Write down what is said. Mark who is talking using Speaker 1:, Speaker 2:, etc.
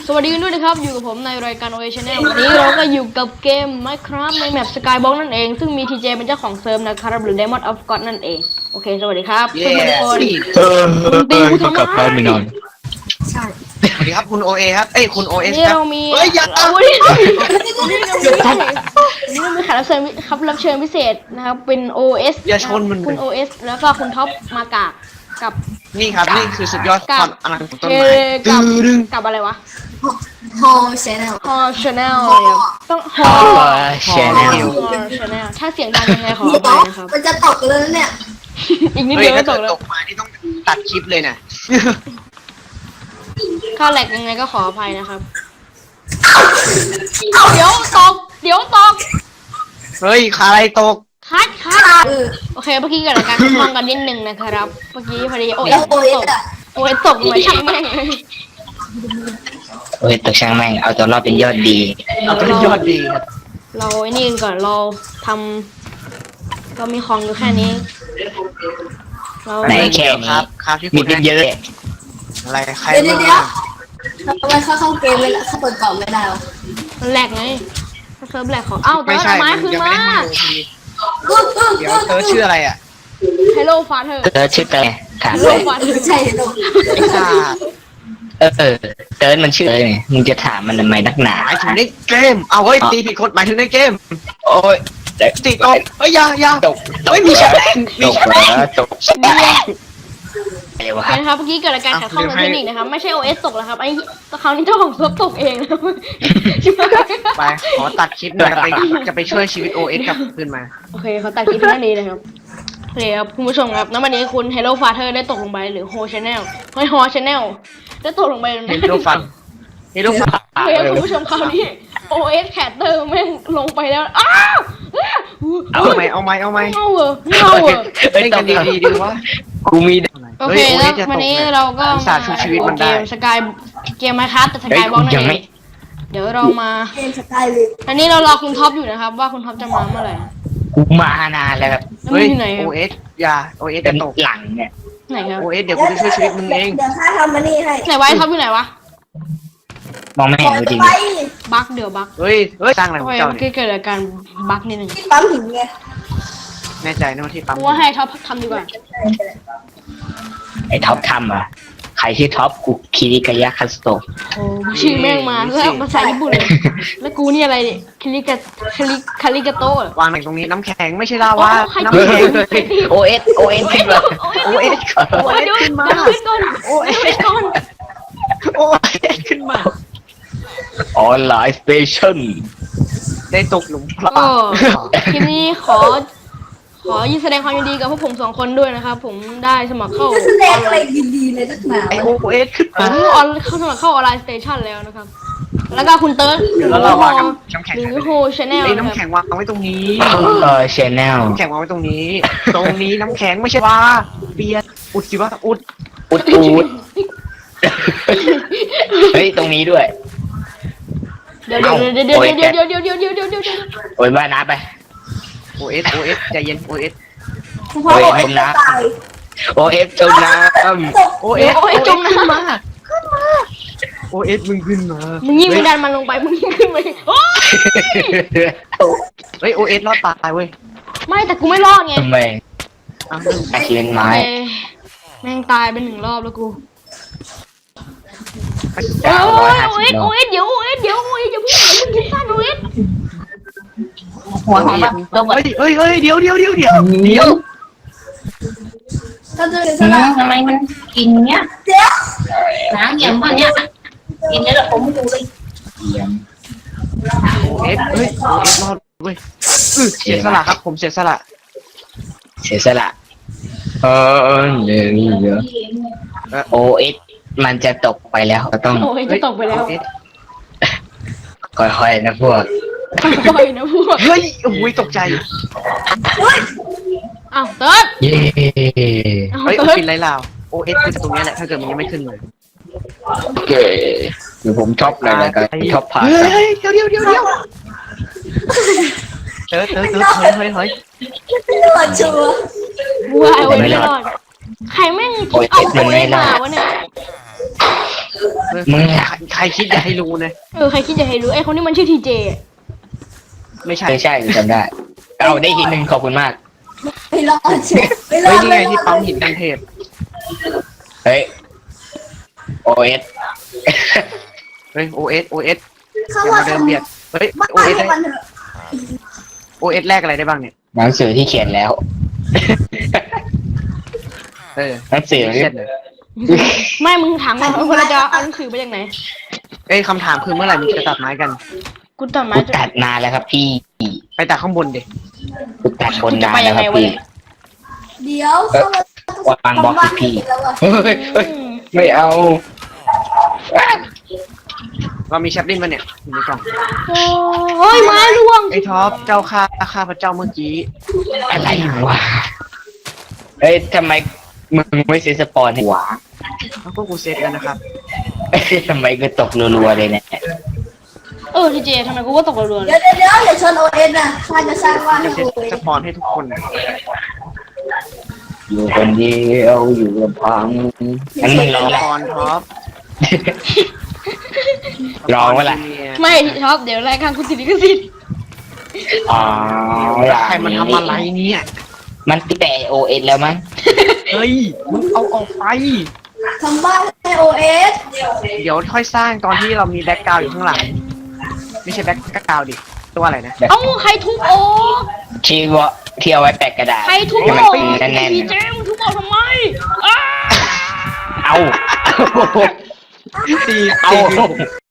Speaker 1: สวัสดีกันด้วยนะครับอยู่กับผมในรายการ OA Channel วันนี้เราก็อยู่กับเกม Minecraft ในแมป Skybox นั่นเองซึ่งมี TJ เป็นเจ้าของเซิร์ฟนะครับหรือ Diamond of God นั่นเองโอเคสวัสดีครับทุกคน
Speaker 2: ก็กลับบ้านไปนอน
Speaker 3: ใช่
Speaker 4: สวัสดีครับคุณโอเอครับคุณโอเอส
Speaker 1: นี่
Speaker 4: ครับ
Speaker 1: เรามี
Speaker 4: เฮ้ยอย่า
Speaker 1: นี่เรามีแขกรับเชิญรับเชิญพิเศษนะครับเป็น OS
Speaker 4: อย่าชนมัน
Speaker 1: คุณ OS แล้วก็คุณท็อปมากากกับ
Speaker 4: นี่ครับนี่คือสุดยอดความอลังของต้น
Speaker 1: เอ
Speaker 4: ไม้
Speaker 1: กับ
Speaker 4: ดึง
Speaker 1: กับอะไรวะ
Speaker 3: ฮอลแชนแนล
Speaker 1: ฮอ Channel เนี่ยต้องฮอ
Speaker 2: แชนแนล
Speaker 1: Channel ถ้าเสียงดังยังไงขออ
Speaker 3: เดี๋ยว
Speaker 1: ภัยนะครับ
Speaker 3: มันจะตกเลยนะเนี่ย
Speaker 1: อีกนิด
Speaker 4: เฮ้
Speaker 1: เดี
Speaker 4: ย
Speaker 1: ยวก็
Speaker 4: ถ้า
Speaker 1: ต
Speaker 4: เกิ
Speaker 1: ก
Speaker 4: ด
Speaker 1: แล้ว
Speaker 4: ตกมานี่ต้องตัดคลิปเลยนะ
Speaker 1: ถ้าแหลกยังไงก็ขออภัยนะครับ เดี๋ยวตก
Speaker 4: เฮ้ยอะไรตก
Speaker 1: คัด
Speaker 3: เออ
Speaker 1: โอเคเมื่อกี้เกิดอาการทดลองกันนิดนึงนะครับ เมื่อกี้พอดีโอ้ย
Speaker 3: แล้วโอเอ
Speaker 1: ต
Speaker 3: ส
Speaker 1: ก
Speaker 3: อ่ะ
Speaker 1: โอ้ยตกเหมือนช่างแม่งเลย
Speaker 2: โอ้ยตกช่างแม่งเอาตัวรอดเป็นยอดดี
Speaker 4: เอาเป็นยอดดีครับ
Speaker 1: เราไอ้นี่กันก่อนเราทำเรามีของอยู่แค่นี้ เรา
Speaker 2: ไหนแค่นี้
Speaker 4: ครับที่
Speaker 2: มี
Speaker 4: คุณ
Speaker 2: เป็นเยอะ
Speaker 4: อะไรใคร
Speaker 3: เดี๋ยวทำไมเข้าเกมเลยเข้าเปิดกล่องไม่ได้วะ
Speaker 1: มันแหลกไงถ้าเซิร์ฟแหลกของอ้าวเติ
Speaker 4: ไม่
Speaker 1: ร์ด
Speaker 4: ใช่
Speaker 1: เอาไม้คืน
Speaker 4: ยัง
Speaker 1: มา
Speaker 4: ไม่ได้ให้ดูทีเดี๋ยวเธอชื่ออะไรอ่ะ
Speaker 1: Hello Father
Speaker 2: เติร์ดชื่อเติร์ดถามเล
Speaker 1: Hello
Speaker 2: ย
Speaker 1: Father
Speaker 3: ใช่ลูก
Speaker 4: ไอ้ซ่า
Speaker 2: เติร์ดมันชื่ออะไรเนี่ยมึงจะถามมันทำไมนักหนา
Speaker 4: หมายถึงในเกมเอาเฮ้ยตีผิดคนหมายถึงในเกม
Speaker 2: โอ้ย
Speaker 4: ตีตกเฮ้ยอย่า
Speaker 2: ตก
Speaker 4: เฮ้ยมีแชร์
Speaker 2: ตกตกอะไรวะ
Speaker 1: โอเคนะครับเมื่อกี้เกิดอาการขัดข้องทางเทคนิคนะครับไม่ใช่ OS ตกแล้วครับไอ้คราวนี้เจ้าของเซิร์ฟตกเองนะครับใช่ไหม
Speaker 4: ไปขอตัดคลิปหน่อยจะไปช่วยชีวิตโอเอสกลับคืนมา
Speaker 1: โอเคเขาตัดคลิปแค่นี้เลยครับโอเคครับคุณผู้ชมครับณวันนี้คุณ Hello Father ได้ตกลงไปหรือ Ho Channel เฮ้ย Ho Channel ได้ตกลงไป
Speaker 4: เห็นรูปฟันเห็นรูปฟัน
Speaker 1: โอเคครับคุณผู้ชมคราวนี้ OS Caster แม่งลงไปแล้วอ้าว
Speaker 4: เอาไหม
Speaker 1: เงาเหรอ
Speaker 4: เล่นกันดีๆดีวะ
Speaker 2: กูมี
Speaker 1: โอเคแล้ววันนี้เราก็
Speaker 4: สาชุชีวิตมันได้
Speaker 1: เกม Minecraft แต่สกายบล็อกนั่น
Speaker 2: ยัง
Speaker 1: เอ
Speaker 2: ไม่
Speaker 1: งเดี๋ยวเรามา
Speaker 3: เกมสกายเลย
Speaker 1: อันนี้เรารอคุณท็อปอยู่นะครับว่าคุณท็อปจะมาเมื่อไหร่
Speaker 2: กูมานานแล้วครับ
Speaker 1: แล้ว
Speaker 4: เฮ้
Speaker 1: มึ
Speaker 4: ย
Speaker 1: งอยู่ไหน
Speaker 4: โอเอสอย่าโอเอส
Speaker 2: เป็
Speaker 4: จะ
Speaker 2: น
Speaker 4: ตก
Speaker 2: หลังเนี่ย
Speaker 1: ไหนครับ
Speaker 4: โอเอสเดี๋ยวกูจะช่วยชีวิตมึงเอง
Speaker 3: เดี๋ยวข้าทำมานี่ให้
Speaker 1: ไหนวะไอ้ท็อปอยู่ไหนวะ
Speaker 2: มองไม่เห็นจริง
Speaker 3: ไป
Speaker 1: บั๊กเดี๋ยวบั๊ก
Speaker 4: เฮ้ยสร้างอะไร
Speaker 1: โอ
Speaker 4: ของ
Speaker 1: เค
Speaker 4: เจ้า
Speaker 1: เมื่อ
Speaker 4: เนี่
Speaker 1: กี้
Speaker 4: ย
Speaker 1: เกิดอาการบั๊กนิดนึง
Speaker 3: ที่ปั๊มหินไง
Speaker 4: แน่ใจนะว่าที่ปั๊ม
Speaker 1: กูว่าให้ท็อปทำดีกว่า
Speaker 2: ไอ้ท็อปทำอ่ะใครที่ท็อปกูคิริกายะคัสโตะ
Speaker 1: โอ้ชื่อแม่งมาแล้วภาษาญี่ปุ่นเลยแล้วกูนี่อะไรเนี่ยคาริกาโตะ
Speaker 4: วางไหนตรงนี้น้ำแข็งไม่ใช่ลาวาน้ำ
Speaker 2: เฮ้ย
Speaker 4: แข็ง
Speaker 2: โอเอสขึ้นมา
Speaker 4: โอเอส
Speaker 1: โอ้ยเดี๋ยวขึ้นก่อนโอ้ยก่อน
Speaker 4: โอเอสขึ้นมา
Speaker 2: ออนไลน์สเตชัน
Speaker 4: ได้ตกหลุมพราง
Speaker 1: ก็คลิปนี้ขอยินแสดงความยินดีกับพวกผมสองคนด้วยนะครับผมได้สมัครเข้า
Speaker 3: จะแสดงอะไรดีๆเลยนักหนา
Speaker 4: ไอโอเอสขึ้น
Speaker 1: ผ
Speaker 4: มา
Speaker 1: มเข้าสมัครเข้าออนไลน์สเตชันแล้วนะครับ แล้วก็คุณเติร์ด
Speaker 4: เดี๋ยวเราวางน้ำแข็ง
Speaker 1: หรือโฮชแนล
Speaker 4: ไอ้
Speaker 1: นะ
Speaker 4: น้ำ
Speaker 1: ค
Speaker 4: แข็
Speaker 1: รับ
Speaker 4: งวางไว้ตรงนี้
Speaker 2: ชแนล
Speaker 4: น้ำแข็งวางไว้ตรงนี้ ตรงนี้น้ำแข็งไม่ใช่ว่าเปียกอุดสิวะอุด
Speaker 2: อุดเฮ้ยตรงนี้ด้วย
Speaker 1: เดี๋ยว
Speaker 2: โอ้ยบ้าน้ำไป
Speaker 4: โอเอสใจเย็นโอเอส
Speaker 3: พ่อบอกไอ้จะตาย
Speaker 2: โอเอฟจมน้ำ
Speaker 4: โอเอสจมน้ำมาโอเอสมึงขึ้นมา
Speaker 1: มึงยิ่งไม่ดันมันลงไปมึงยิ่งขึ้นไปโอ้ย
Speaker 4: เฮ้ยโอเอสรอดตายเว้ย
Speaker 1: ไม่แต่กูไม่รอดไง
Speaker 2: ทำไม
Speaker 4: อ้าว
Speaker 2: ตะเคียนไม้
Speaker 1: แม่งตายไป1 รอบแล้วกู
Speaker 2: เก้าร้อยห้าสิบ
Speaker 1: โอ้ยเดี๋ยวอย่าเพิ่งคิดสั้นโอ้ย
Speaker 2: หัวหอมแบบ
Speaker 4: เฮ้ยเดี๋ยว
Speaker 3: ถ้าจะเป็นสลับ
Speaker 5: ทำไมมันกินเนี้ย
Speaker 3: เดี๋ยว
Speaker 5: น้ำอย่างพวกเนี้ยกินเนี้ยแล้วผมดูเลย
Speaker 4: โอเอสรอดเว้ยเสียสละครับผมเสียสละ
Speaker 2: เสียสละเนี่ยโอเอสมันจะตกไปแล้วก็ต้อง
Speaker 1: โอ้ยจะตกไปแล้ว
Speaker 2: ค่อยๆนะพวก
Speaker 1: ค่อยนะพวก
Speaker 4: เฮ้ยโอ้ยตกใจ
Speaker 1: อ้าวเติร์ด
Speaker 2: เย้
Speaker 4: เฮ้ยปิดไรลาวโอเอสคือตรงนี้แหละถ้าเกิดมันยังไม่ขึ้นเลย
Speaker 2: โอเคเดี๋ยวผมชอบอะไรกันชอบผ่าน
Speaker 4: เฮ้ยเดี๋ยวเติร์ดเฮ้ย
Speaker 3: หลอดชัวร์
Speaker 1: ว้ายโอ้ยไม่รอดใครแม่งคิดเอาโอ้ยมาวะเนี่ย
Speaker 4: เฮ้
Speaker 2: มึง
Speaker 4: ใครคิดอย่าให้รู้นะ
Speaker 1: ใครคิดจะให้รู้ไอ้คนนี้มันชื่อทีเจ
Speaker 4: ไม่ใช่
Speaker 2: ไม่ใช่กูจำได้เอาได้ทีหนึ่งขอบคุณมาก
Speaker 3: ไม่รอดเชียวไม่รอ
Speaker 4: เฮ้ย
Speaker 3: ด
Speaker 4: นี่ไงที่ปั๊มหินกันเทพ
Speaker 2: เฮ้ยโอเอส
Speaker 4: เฮ้ย OS
Speaker 3: เข้า
Speaker 4: อย่า
Speaker 3: มา
Speaker 4: มาเดิน
Speaker 3: ทำ
Speaker 4: เบียดเฮ้ย
Speaker 3: บ้า
Speaker 4: OS
Speaker 3: ให้
Speaker 4: ได้
Speaker 3: มันเถอะ
Speaker 4: OS แลกอะไรได้บ้างเนี่ย
Speaker 2: หนังสือที่เขียนแล้ว หนังสือ
Speaker 4: เครียดเลย
Speaker 1: ไม่มึงถามว่าคนเราจะเอาหนังสือไปจากไหน
Speaker 4: เอ้ยคำถามคือเมื่อไหร่มึงจะตัดไม้กัน
Speaker 1: กูตัดไม้
Speaker 2: กูตัดนานแล้วครับพี่
Speaker 4: ไปตัดข้างบนดิ
Speaker 2: กูตัดบนนานแล้วครับพี่
Speaker 3: เดี๋ยวเข้ามาว
Speaker 2: างบล็อกสิพี่
Speaker 3: แล้วอะ
Speaker 2: เฮ้ยเฮ้ยไม่เอา
Speaker 4: เรามีแชปลินมาเนี่ยอยู่ในกล่อง
Speaker 1: โอ้ยไม้ร่วง
Speaker 4: ไอ้ท็อปเจ้าข้าพระเจ้าเมื่อกี้
Speaker 2: อะไรวะเอ้ยทำไมมึงไม่เซตสปอนให้หวา
Speaker 4: แล้วก็กูเซตกันนะครับ
Speaker 2: เอ้ยทำไมกูตกรัวๆเลยเนี่ย
Speaker 1: ทีเจทำไมกูก็ตกรัวๆเล
Speaker 3: เดี๋ย
Speaker 1: ยว
Speaker 3: อย่าชนโอเอสนะข้าจะสร้างบ้าน
Speaker 4: จะ
Speaker 3: ให้
Speaker 4: เซต
Speaker 3: โอเอ
Speaker 4: ส
Speaker 3: ส
Speaker 4: ปอนให้ทุกคนนะ
Speaker 2: อยู่คนเดียวอยู่ลำพังงั้นมึงร้อง
Speaker 4: สปอนท็อป
Speaker 2: ร้องวะล่ะ
Speaker 1: ไม่ชอบเดี๋ยวรายการกูติดลิขสิทธิ์
Speaker 2: อ๋อ
Speaker 4: ใครมันทำอะไรเนี่ย
Speaker 2: มันแต่โอเอสแล้วมั้ง
Speaker 4: เฮ้ยมึงเอาออกไป
Speaker 3: ทำบ้านให้โอเอส
Speaker 4: เดี๋ยวค่อยสร้างตอนที่เรามีแบ็กกราวด์อยู่ข้างหลังไม่ใช่แบ็กกราวด์ดิตัวอะไรนะ
Speaker 1: เอ้าใครทุบโอ๊ก
Speaker 2: ที่ว่าที่เอาไว้แปะกระดาษ
Speaker 1: ใครทุบ
Speaker 2: ให้มัน
Speaker 1: โอ๊ก
Speaker 2: เป็นแน่น
Speaker 1: ทีเจมึงทุบโอ๊กทำไมอ้า
Speaker 2: ๆเอา
Speaker 4: ตี
Speaker 2: เอา